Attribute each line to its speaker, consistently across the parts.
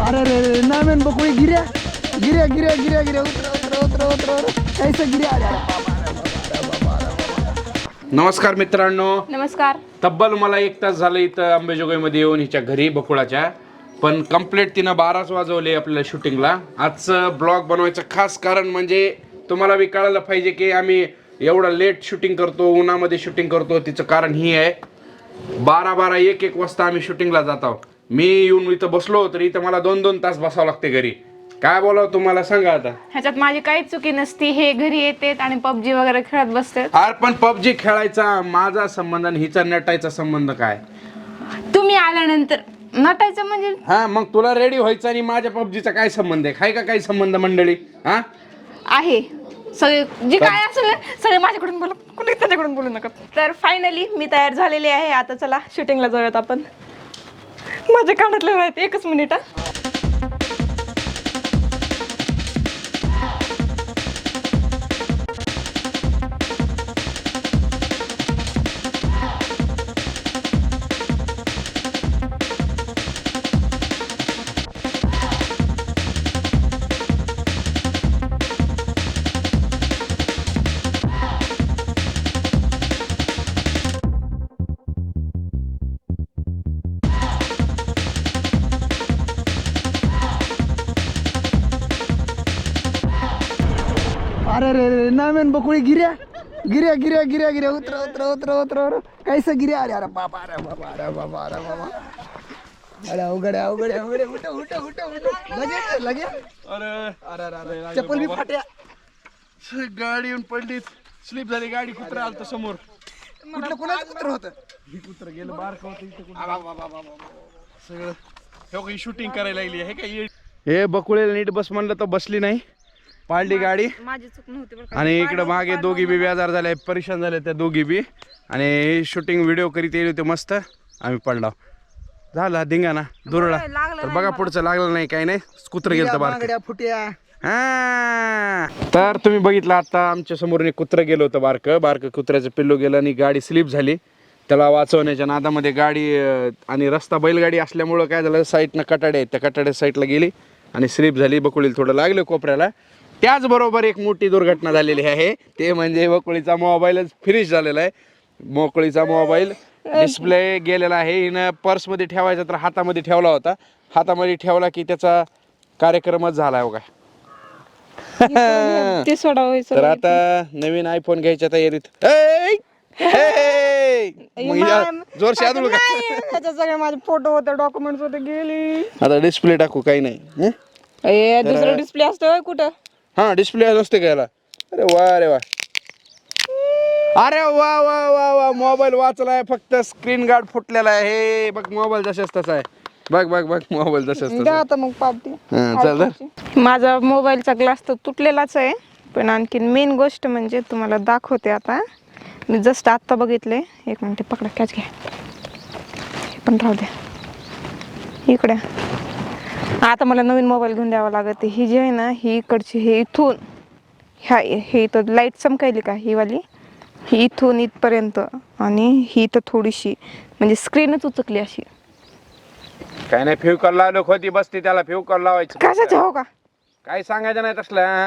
Speaker 1: अरे रे रे नामेन बकुळी गिऱ्या गिऱ्या गिऱ्या गिऱ्या गिऱ्या उतर उतर उतर उतर कैसे गिऱ्या
Speaker 2: नमस्कार मित्रांनो.
Speaker 3: नमस्कार.
Speaker 2: तब्बल मला 1 तास झालं इथं अंबेजोगाईमध्ये येऊन हिच्या घरी बकुळाच्या, पण कंप्लीट तिनं 12च वाजवले आपल्याला शूटिंगला. आजचं ब्लॉग बनवायचं खास कारण म्हणजे तुम्हाला बी कळायला पाहिजे की आम्ही एवढं लेट शूटिंग करतो, उन्हामध्ये शूटिंग करतो. तिचं कारण ही आहे, 12-12 1-1 वाजता आम्ही शूटिंगला जात आहोत. मी येऊन इथं बसलो तर इथं मला 2-2 तास बसावं लागते घरी. काय बोलावं तुम्हाला सांगा आता.
Speaker 3: ह्याच्यात माझी काहीच चुकी नसती. हे घरी येतात आणि पबजी वगैरे खेळत बसतात.
Speaker 2: अरे पण पबजी खेळायचा माझा संबंध आणि हिचा नटायचा संबंध काय?
Speaker 3: तुम्ही आल्यानंतर नटायचं म्हणजे
Speaker 2: हा, मग तुला रेडी व्हायचं आणि माझ्या पबजीचा काय संबंध आहे? का काही संबंध मंडळी? हा
Speaker 3: आहे सगळे जे काय असेल ना, सगळे माझ्याकडून बोला, कुणी त्याच्याकडून बोलू नका. तर फायनली मी तयार झालेली आहे. आता चला शूटिंगला जाऊयात आपण. माझ्या कानातले आहेत. 1 मिनिट.
Speaker 1: अरे रे रे नामेन बकुळी गिऱ्या गिऱ्या गिऱ्या गिऱ्या गिऱ्या उतर उतर उतर उतर उतर कैसे गिऱ्या अरे बाबा अरे बाबा अरे बाबा अरे बाबा अरे अवघड अवघड अवघड उठ उठ उठ उठ लगे लगे.
Speaker 2: अरे अरे अरे
Speaker 1: चप्पल भी फाट्या.
Speaker 2: गाडी येऊन पडली, स्लिप झाली गाडी. कुत्रा आलता समोर.
Speaker 1: कुठलं कोणाचं कुत्र होतं?
Speaker 2: ही कुत्र गेलं बारक होतं इथं सगळं. हे काही शूटिंग करायला लागली आहे का? हे बकुळेला नीट बस म्हणलं तर बसली नाही, पाळली गाडी.
Speaker 3: माझी चूक नव्हती बरं का.
Speaker 2: आणि इकडं मागे दोघी बी बेजार झाल्या, परेशान झाल्या त्या दोघी बी. आणि शूटिंग व्हिडिओ करीत येईल होते मस्त. आम्ही पडला, झाला धिंगाणा दुरळा. तर बघा पुढचं लागलं नाही, काही नाही. कुत्र गेलं तर बारकं.
Speaker 1: फुट्या.
Speaker 2: हा, तर तुम्ही बघितलं आता आमच्या समोरून एक कुत्रं गेलं होतं, बारकं कुत्र्याचं पिल्लू गेलं आणि गाडी स्लिप झाली. त्याला वाचवण्याच्या नादामध्ये गाडी आणि रस्ता बैलगाडी असल्यामुळं काय झालं, साईडनं कटाडे आहेत, त्या कटाड्या साईडला गेली आणि स्लिप झाली. बकुळीला थोडं लागलं कोपऱ्याला. त्याचबरोबर एक मोठी दुर्घटना झालेली आहे, ते म्हणजे बकुळीचा मोबाईलच फिनिश झालेला आहे. बकुळीचा मोबाईल डिस्प्ले गेलेला आहे. हिनं पर्समध्ये ठेवायचा तर हातामध्ये ठेवला होता. हातामध्ये ठेवला की त्याचा कार्यक्रमच झाला आहे बघा.
Speaker 3: ते सोडावायचं.
Speaker 2: तर आता नवीन आयफोन घ्यायच्या तयारीत. जोर शादू का?
Speaker 3: त्याच्यात सगळे माझे फोटो होते, डॉक्युमेंट्स होते, गेली.
Speaker 2: आता डिस्प्ले टाकू, काही नाही.
Speaker 3: दुसरा डिस्प्ले असतो कुठं?
Speaker 2: हा, डिस्प्ले असते घ्यायला. अरे वा अरे वा अरे वा वा वा वा. मोबाईल वाचलाय, फक्त स्क्रीन गार्ड फुटलेला आहे. हे बघ, मोबाईल जशाच तसा आहे. बघ बघ बघ, मोबाईल जशाच तसा.
Speaker 3: आता मग पावती.
Speaker 2: चल.
Speaker 3: माझा मोबाईलचा ग्लास तर तुटलेलाच आहे, पण आणखीन मेन गोष्ट म्हणजे तुम्हाला दाखवते. आता मी जस्ट आत्ता बघितले. 1 मिनिट पकडा, कॅच घ्या. हे पण राहू द्या इकडे. आता मला नवीन मोबाईल घेऊन द्यावा लागत. ही जी आहे ना, ही इकडची, हे इथून हे इथं लाईट चमकायली का, ही वाली, ही इथून इथपर्यंत, आणि ही तर थोडीशी म्हणजे स्क्रीनच उचकली अशी.
Speaker 2: काय नाही, फेविकॉल लावलं होती बसते, त्याला फेविकॉल लावायचं.
Speaker 3: कशाचे हो का?
Speaker 2: काही सांगायचं नाही तसलं.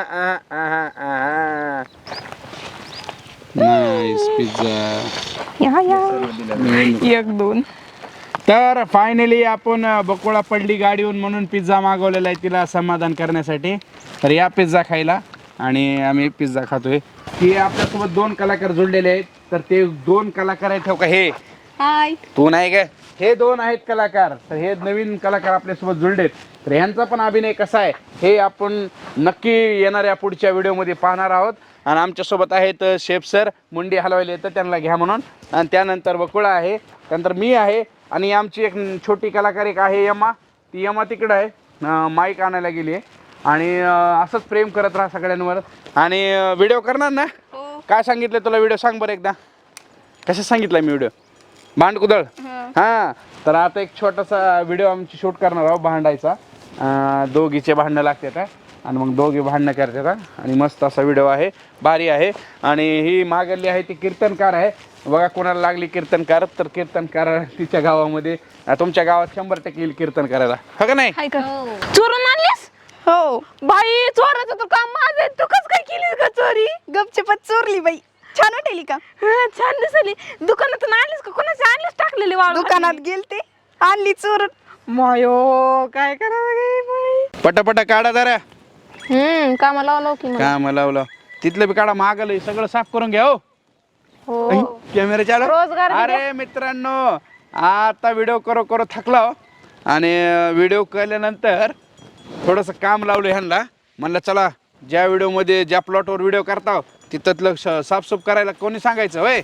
Speaker 2: Nice pizza.
Speaker 3: या 1-2.
Speaker 2: तर फायनली आपण बकुळा पडली गाडीहून म्हणून पिझ्झा मागवलेला आहे तिला समाधान करण्यासाठी. तर या पिझ्झा खायला, आणि आम्ही पिझ्झा खातोय. की आपल्यासोबत 2 कलाकार जोडलेले आहेत. तर ते 2 कलाकार आहेत. ठेव का, हे
Speaker 3: हाय,
Speaker 2: तू नाही का, हे 2 आहेत कलाकार. तर हे नवीन कलाकार आपल्यासोबत जुळलेत. तर ह्यांचा पण अभिनय कसा आहे हे आपण नक्की येणाऱ्या पुढच्या व्हिडिओमध्ये पाहणार आहोत. आणि आमच्यासोबत आहेत शेफ सर, मुंडी हलवायला येतं त्यांना घ्या म्हणून. आणि त्यानंतर बकुळा आहे, त्यानंतर मी आहे, आणि आमची एक छोटी कलाकार एक आहे यमा. ती यमा तिकडं आहे, माईक आणायला गेली आहे. आणि असंच प्रेम करत राहा सगळ्यांवर. आणि व्हिडिओ करणार ना? काय सांगितलं तुला व्हिडिओ? सांग बरं एकदा, कशा सांगितलं मी व्हिडिओ? भांडकुदळ. हां, तर आता एक छोटासा व्हिडिओ आमची शूट करणार आहोत भांडायचा. दोघीचे भांडणं लागतात. आणि मग दोघे भांडणं करतात. आणि मस्त असा व्हिडिओ आहे, भारी आहे. आणि ही मागली आहे ती कीर्तनकार आहे बघा. कोणाला लागली कीर्तनकार तर कीर्तनकार तिच्या गावामध्ये तुमच्या गावात 100% येईल कीर्तन करायला, हो का नाही?
Speaker 3: हाय का चोरून आणलीस? हो बाई, चोराचं तर काम माझं आहे. तू कसं काय केली का चोरी?
Speaker 4: गपचपत चोरली बाई. छान वाटेली का?
Speaker 3: छान दिसली. दुकानातून आणलीस का? कोणाची आणलीस टाकलेली वाळू?
Speaker 4: दुकानात गेलते, आणली चोरून.
Speaker 3: मायो काय करावं बाई.
Speaker 2: पटापटा काढा जरा.
Speaker 3: कामाला लावलो की मग.
Speaker 2: का मला लावलं तिथलं बी काढा. मागलं सगळं साफ करून घ्या. हो कॅमेरा चालू.
Speaker 3: रोजगार बी
Speaker 2: अरे मित्रांनो, आता व्हिडिओ करो थकला हो. आणि व्हिडिओ केल्यानंतर थोडंसं काम लावलं ह्यांना. म्हणलं चला ज्या व्हिडिओमध्ये ज्या प्लॉटवर व्हिडिओ करता तिथलं साफसूफ करायला कोणी सांगायचं होय.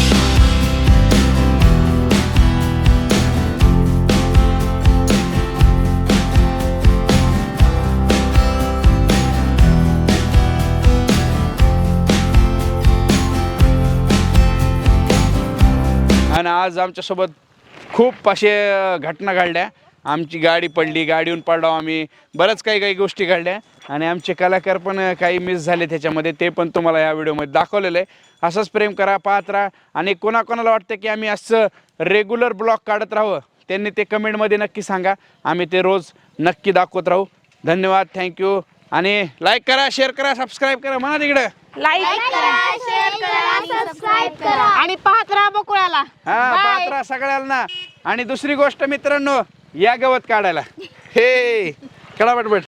Speaker 2: आणि आज आमच्यासोबत खूप असे घटना घडल्या. आमची गाडी पडली, गाडीहून पडलो आम्ही, बरंच काही गोष्टी घडल्या. आणि आमचे कलाकार पण काही मिस झाले त्याच्यामध्ये, ते पण तुम्हाला या व्हिडिओमध्ये दाखवलेलं आहे. असंच प्रेम करा, पाहत राहा. आणि कोणाकोणाला वाटतं की आम्ही असं रेग्युलर ब्लॉग काढत राहावं, त्यांनी ते कमेंटमध्ये नक्की सांगा. आम्ही ते रोज नक्की दाखवत राहू. धन्यवाद, थँक्यू. आणि लाईक करा, शेअर करा, सबस्क्राईब करा. म्हणा तिकडं
Speaker 3: लाईक करा, शेअर करा, सबस्क्राईब करा आणि पाहत राहा बकुळाला.
Speaker 2: हा पाहत राहा सगळ्यांना. आणि दुसरी गोष्ट मित्रांनो, या गवत काढायला. हे कडा पटपट.